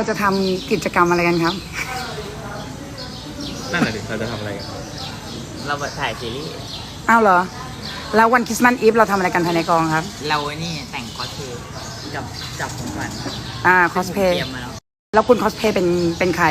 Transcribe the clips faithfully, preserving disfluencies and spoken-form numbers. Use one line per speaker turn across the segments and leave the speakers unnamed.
จะทำกิจกรรมอะไรกันครับ
นั่นแหละดิเราจะทำอะไรกัน
เราถ่ายซีรีส์
อ้าวเหรอแล้ววันคริสต์มาสอีฟเราทำอะไรกันภายในกองครับ
เราไอ้นี่แต่งคอสเพลย์กับจับของขวัญ
อ่าคอสเพลย์
เตรียมมาแล้ว
แล้วคุณคอสเพลย์เป็นเป็นใคร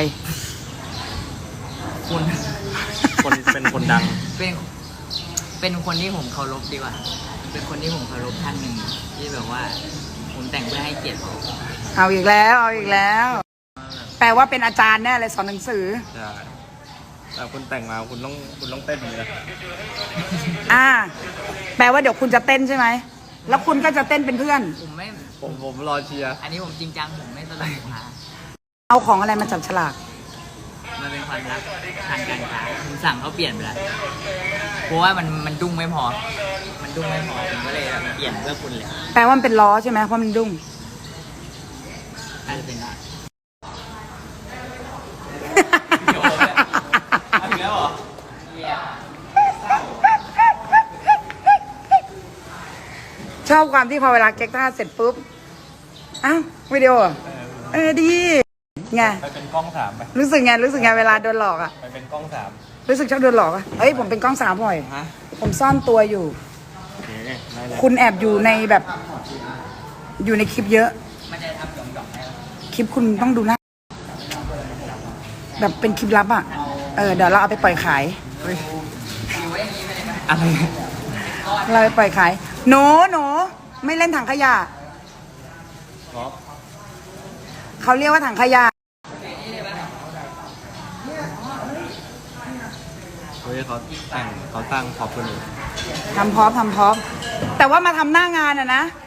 คุณ
คนเป็นคนดัง
เป็นเป็นคนที่ผมเคารพดีกว่าเป็นคนที่ผมเคารพท่านหนึ่งที่แบบว่าผมแต่งเพื่อให้เกียรติเขา
เอาอีกแล้วเอาอีกแล้วแปลว่าเป็นอาจารย์แน่เลยสอนหนังสือ
ใช่แต่คุณแต่งมาคุณต้องคุณต้องเต้นเลยนะ
อ่าแปลว่าเดี๋ยวคุณจะเต้นใช่ไหมแล้วคุณก็จะเต้นเป็นเพื่อน
ผมไม่
ผมผมรอเชียร์
อันนี้ผมจริงจังผมไม่ตลกนะ
เอาของอะไรมาจับฉลาก
มันเป็นความรักทางการค้าผมสั่งเขาเปลี่ยนไปแล้วเพราะว่ามันมันดุ้งไม่พอมันดุ้งไม่พอผมก็เลยเปลี่ยนเพื่อคุณเลย
แปลว่ามันเป็นล้อใช่ไหมเพราะมันดุ้ง
อาจจะเป็นได้
แล้วเหรอ
ชอบความที่พอเวลาเก๊กท่าเสร็จปุ๊บอ้าววิดีโอเออดีไง
ไปเป็นกล้องสามไป
รู้สึกไงรู้สึกไงเวลาโดนหลอกอ่ะ
ไปเป็นกล้องสาม
รู้สึกชอบโดนหลอกอ่ะเอ้ยผมเป็นกล้องสามบ่อยผมซ่อนตัวอยู่คุณแอบอยู่ในแบบอยู่ในคลิปเยอะคลิปคุณต้องดูนะแบบเป็นคลิปลับอ่ะเออเดี๋ยวเราเอาไปปล่อยขาย
อะไร
เราไปปล่อยขายหนูหนูไม่เล่นถังขยะเขาเรียกว่าถังขยะ
เฮ้ยเขาแต่งเขาตั้งขอบคุณ
ทำพร้อมทำพร้อมแต่ว่ามาทำหน้างานอ่ะนะ